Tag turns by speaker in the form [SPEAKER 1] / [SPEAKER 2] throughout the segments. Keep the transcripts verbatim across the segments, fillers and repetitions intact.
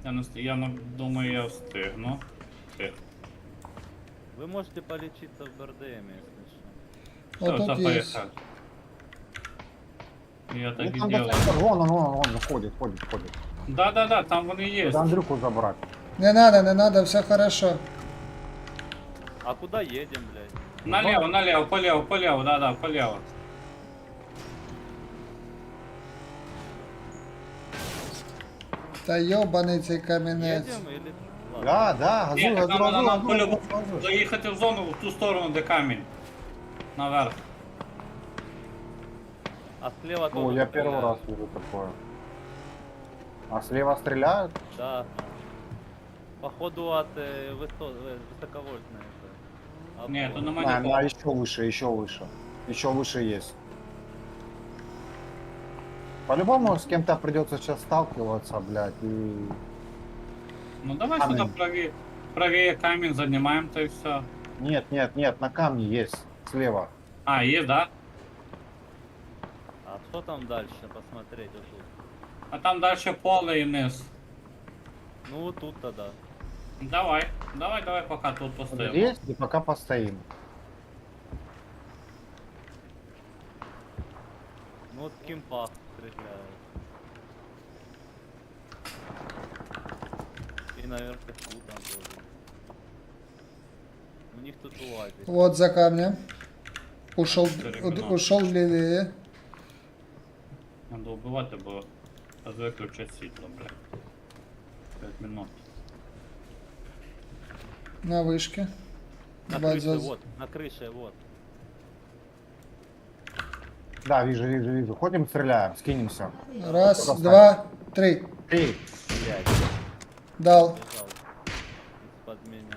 [SPEAKER 1] Я, не, ст- я не- думаю, я встигну. Встиг.
[SPEAKER 2] Вы можете полечиться в БРДМ, если что.
[SPEAKER 1] Все,
[SPEAKER 3] Вот тут
[SPEAKER 1] все,
[SPEAKER 3] есть.
[SPEAKER 1] поехали. Я
[SPEAKER 4] Ну,
[SPEAKER 1] так и
[SPEAKER 4] там до
[SPEAKER 1] делаю.
[SPEAKER 4] центра, вон он, вон он, вон, ходит, ходит, ходит.
[SPEAKER 1] Да-да-да, там вони є.
[SPEAKER 4] Надо Андрюху забрать.
[SPEAKER 3] Не надо, не надо, все хорошо.
[SPEAKER 2] А куда едем, блядь?
[SPEAKER 1] Налево, налево, полево, полево, да-да, полево.
[SPEAKER 3] Та йобаний цей камінець.
[SPEAKER 2] Едем или... Ладно.
[SPEAKER 4] Да, да, газуй,
[SPEAKER 1] Ні, так
[SPEAKER 4] газуй,
[SPEAKER 1] нам, нам,
[SPEAKER 4] газуй,
[SPEAKER 1] нам
[SPEAKER 4] газуй,
[SPEAKER 1] по-любому
[SPEAKER 4] газуй.
[SPEAKER 1] заїхати в зону в ту сторону, де камінь. Наверх.
[SPEAKER 2] А слева
[SPEAKER 4] Ну,
[SPEAKER 2] тоже
[SPEAKER 4] я
[SPEAKER 2] стреляют.
[SPEAKER 4] первый раз вижу такое. А слева стреляют?
[SPEAKER 2] Да. Походу от э, высо... э, высоковольтной. это.
[SPEAKER 1] Ні,
[SPEAKER 2] Обвод.
[SPEAKER 1] то нема
[SPEAKER 4] А,
[SPEAKER 1] нікого.
[SPEAKER 4] а еще выше, еще выше. Еще выше есть. По-любому с кем-то придется сейчас сталкиваться, блядь, и...
[SPEAKER 1] Ну давай
[SPEAKER 4] Камінь.
[SPEAKER 1] сюди праві... правіє камінь займаємо, то і все.
[SPEAKER 4] Нет, нет, нет, на камне есть, слева.
[SPEAKER 1] А, є, да?
[SPEAKER 2] А что там дальше посмотреть вот тут?
[SPEAKER 1] А там далі поле і низ.
[SPEAKER 2] Ну вот тут тогда.
[SPEAKER 1] Давай, давай, давай, поки тут постоїмо.
[SPEAKER 4] Здесь и пока постоим.
[SPEAKER 2] Ну вот в кемпах стреляют. И наверное тут там тоже. У них тут уазик.
[SPEAKER 3] Вот за камнем. Ушел,
[SPEAKER 1] Перегнал.
[SPEAKER 3] ушел левее.
[SPEAKER 1] Надо вбивати, бо виключать світло, блядь. п'ять минут.
[SPEAKER 3] На вышке.
[SPEAKER 2] На
[SPEAKER 3] Бать,
[SPEAKER 2] крыше,
[SPEAKER 3] за-
[SPEAKER 2] вот, на крыше, вот.
[SPEAKER 4] Да, вижу, вижу, вижу. Ходим, стреляем, скинемся.
[SPEAKER 3] Раз,
[SPEAKER 4] Достань.
[SPEAKER 3] два, три.
[SPEAKER 4] Эй,
[SPEAKER 2] Блядь,
[SPEAKER 3] Дал.
[SPEAKER 2] бежал из-под меня.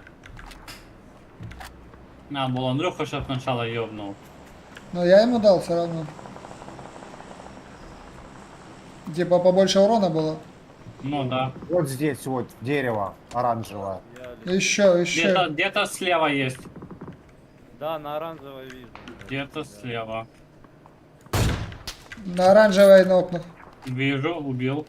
[SPEAKER 1] Надо було Андрюха ще спочатку йобнув.
[SPEAKER 3] Но я ему дал все равно. Типа побольше урона было.
[SPEAKER 1] Ну да.
[SPEAKER 4] вот здесь вот дерево оранжевое.
[SPEAKER 2] Я ли-
[SPEAKER 3] Еще, еще.
[SPEAKER 1] Где-то где слева есть.
[SPEAKER 2] Да, на оранжевой вижу.
[SPEAKER 1] Где-то слева.
[SPEAKER 3] На оранжевой нокнув.
[SPEAKER 1] Вижу, убил.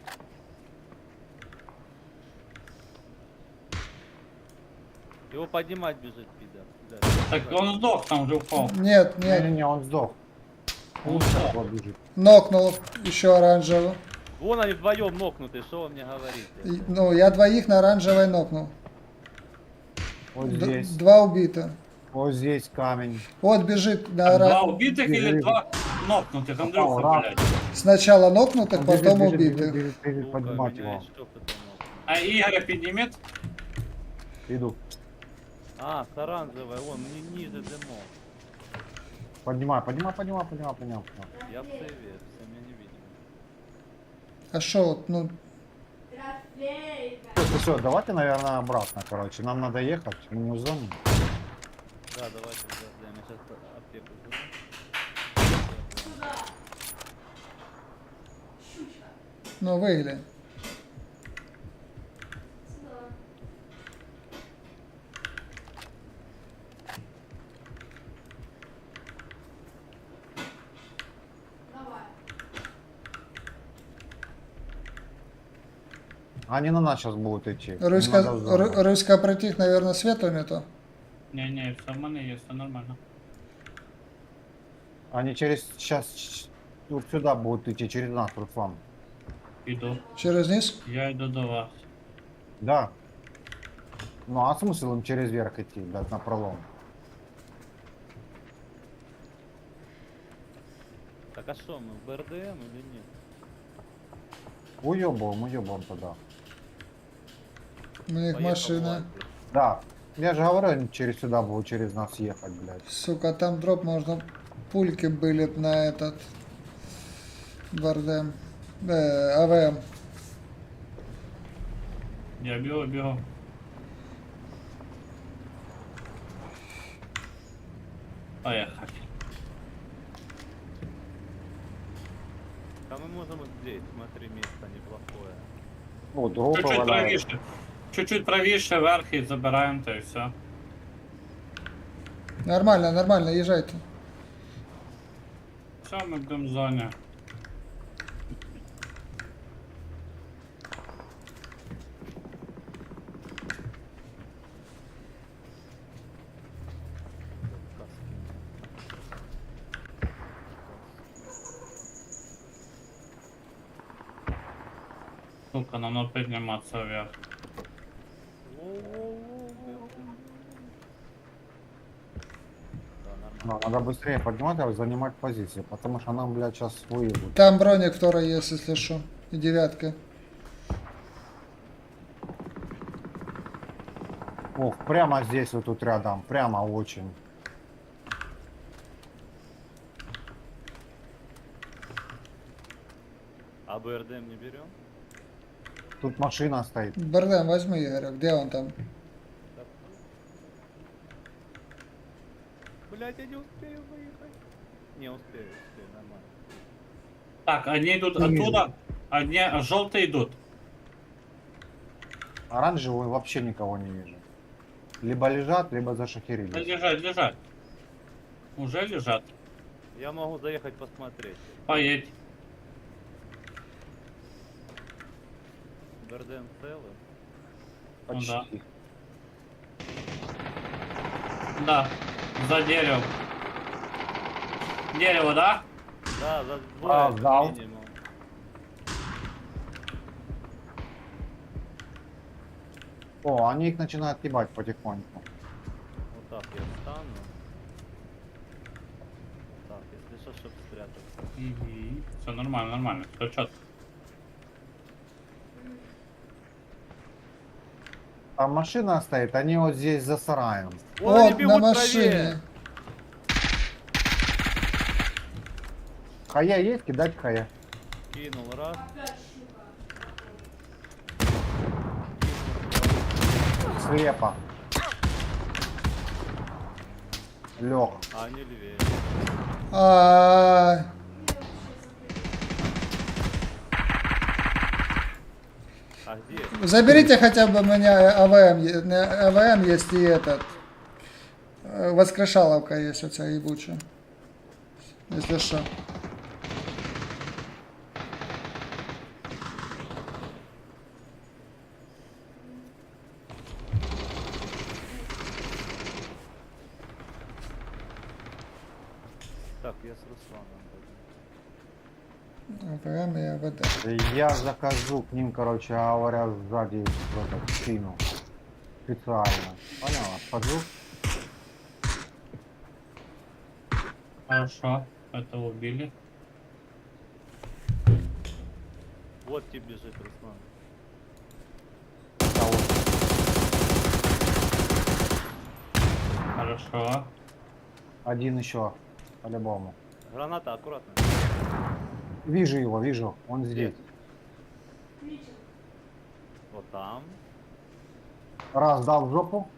[SPEAKER 2] Его поднимать бежит, пидор. Да.
[SPEAKER 1] Так он сдох, там уже упал.
[SPEAKER 3] Нет, нет.
[SPEAKER 4] Не-не-не, он сдох.
[SPEAKER 1] Он
[SPEAKER 4] Он
[SPEAKER 1] сдох.
[SPEAKER 4] вот бежит.
[SPEAKER 3] Нокнул еще оранжевую.
[SPEAKER 2] Вон они вдвоем нокнуты, что вы мне говорите?
[SPEAKER 3] И- Ну, я двоих на оранжевой нокнул.
[SPEAKER 4] Вот
[SPEAKER 3] Д-
[SPEAKER 4] здесь.
[SPEAKER 3] Два убито.
[SPEAKER 4] Вот здесь камень.
[SPEAKER 3] Вот бежит на
[SPEAKER 1] Два
[SPEAKER 3] оранжевой.
[SPEAKER 1] убитых или
[SPEAKER 4] Бежит.
[SPEAKER 1] два нокнутых? Андрюха,
[SPEAKER 4] Попал,
[SPEAKER 1] блядь.
[SPEAKER 3] Сначала нокнутых,
[SPEAKER 4] Он
[SPEAKER 3] потом
[SPEAKER 4] бежит, бежит,
[SPEAKER 3] убитых.
[SPEAKER 4] бежит, бежит,
[SPEAKER 2] Сука,
[SPEAKER 4] поднимать
[SPEAKER 2] меня
[SPEAKER 4] его.
[SPEAKER 2] еще кто-то нокнул.
[SPEAKER 1] А Игоря поднимет?
[SPEAKER 4] Иду.
[SPEAKER 2] А, с оранжевой, вон, ни- ниже дымов.
[SPEAKER 4] Поднимай, поднимай, поднимай, поднимай, поднимай. поднимай.
[SPEAKER 2] Я в сейве, все меня не видно.
[SPEAKER 3] А шо вот, ну,
[SPEAKER 4] Все, все, давайте, наверное, обратно, короче. Нам надо ехать, мы не в зоне.
[SPEAKER 2] Да, давайте подождем, я сейчас аптеку возьму.
[SPEAKER 3] ну выгли.
[SPEAKER 4] Они на нас сейчас будут идти. Не
[SPEAKER 3] Руська,
[SPEAKER 4] надо в зону.
[SPEAKER 3] Ру- Руська протих, наверное, свету не то.
[SPEAKER 1] Не-не, все в мене є, все нормально.
[SPEAKER 4] Они через сейчас вот сюда будут идти, через нас, Руслан.
[SPEAKER 1] Іду.
[SPEAKER 3] Через низ?
[SPEAKER 1] Я йду до вас.
[SPEAKER 4] Да. Ну а смысл им через верх идти, да, на пролом?
[SPEAKER 2] Так а что, мы в БРДМ или нет?
[SPEAKER 4] Уебываем, уебываем тогда.
[SPEAKER 3] У них
[SPEAKER 2] Поехал
[SPEAKER 3] машина.
[SPEAKER 2] Владик.
[SPEAKER 4] Да. Я же говорю, они через сюда будут через нас ехать, блядь.
[SPEAKER 3] Сука, там дроп можно. Пульки были б на этот. Бардем. Э, АВМ.
[SPEAKER 1] Я бігу, бігу. Поехали.
[SPEAKER 2] А мы можем вот здесь, смотри, место неплохое.
[SPEAKER 4] Ну, дропы
[SPEAKER 1] Чуть-чуть
[SPEAKER 4] валяются.
[SPEAKER 1] правіше. Чуть-чуть правіше, вверх і забираємо, то і все.
[SPEAKER 3] Нормально, нормально, езжайте.
[SPEAKER 1] Все, ми будемо в зоні. Сука, нам надо подниматься вверх.
[SPEAKER 2] Воу-воу-воу-воу. Да, нормально.
[SPEAKER 4] Но надо быстрее поднимать, занимать позиции, потому что нам, блядь, сейчас выебут.
[SPEAKER 3] Там броник второй есть, если что. И девятка.
[SPEAKER 4] Ох, прямо здесь вот тут рядом, прямо очень.
[SPEAKER 2] А БРДМ не берем?
[SPEAKER 4] Тут машина стоит.
[SPEAKER 3] Бардам, возьми, Игорь. Где он там?
[SPEAKER 2] Блять, я не успею выехать. Не успею, успею, нормально.
[SPEAKER 1] Так, они идут
[SPEAKER 4] Не вижу.
[SPEAKER 1] оттуда, одни желтые идут.
[SPEAKER 4] Оранжевый вообще никого не вижу. Либо лежат, либо
[SPEAKER 1] Да
[SPEAKER 4] зашахерились.
[SPEAKER 1] лежать, лежать. Уже лежат.
[SPEAKER 2] Я могу заехать посмотреть.
[SPEAKER 1] Поедь.
[SPEAKER 2] БРДМ целый.
[SPEAKER 1] Ну
[SPEAKER 4] Почти.
[SPEAKER 1] да. Да, за деревом. Дерево, да?
[SPEAKER 2] Да, за двое
[SPEAKER 4] А,
[SPEAKER 2] как
[SPEAKER 4] сдал.
[SPEAKER 2] минимум.
[SPEAKER 4] О, они их начинают ебать потихоньку.
[SPEAKER 2] Вот так я встану. Так, если что, чтоб спрятаться.
[SPEAKER 1] Угу. Все нормально, нормально. Все четко.
[SPEAKER 4] Там машина стоит, они вот здесь за сараем.
[SPEAKER 2] Вон они
[SPEAKER 3] Вот,
[SPEAKER 2] бегут
[SPEAKER 3] на
[SPEAKER 2] правее.
[SPEAKER 3] машине.
[SPEAKER 4] Хая есть? Кидать хая.
[SPEAKER 2] Кинул раз.
[SPEAKER 4] Слепо. Лег.
[SPEAKER 2] А они левее.
[SPEAKER 3] А,
[SPEAKER 2] А где?
[SPEAKER 3] заберите хотя бы у меня АВМ. е- не, АВМ есть и этот. э, Воскрешаловка есть у тебя ебучая. Если что.
[SPEAKER 2] Так, я с Русланом пойду.
[SPEAKER 3] АВМ и АВД.
[SPEAKER 4] Я захожу к ним, короче говоря, сзади в этот спину. Специально. Поняла? Подхожу.
[SPEAKER 1] Хорошо. Это убили.
[SPEAKER 2] Вот тебе бежит Руслан.
[SPEAKER 4] Да, вот.
[SPEAKER 1] Хорошо.
[SPEAKER 4] Один еще. По-любому.
[SPEAKER 2] Граната, аккуратно.
[SPEAKER 4] Вижу его, вижу. Он здесь.
[SPEAKER 2] Вот там.
[SPEAKER 4] Раз дал в жопу.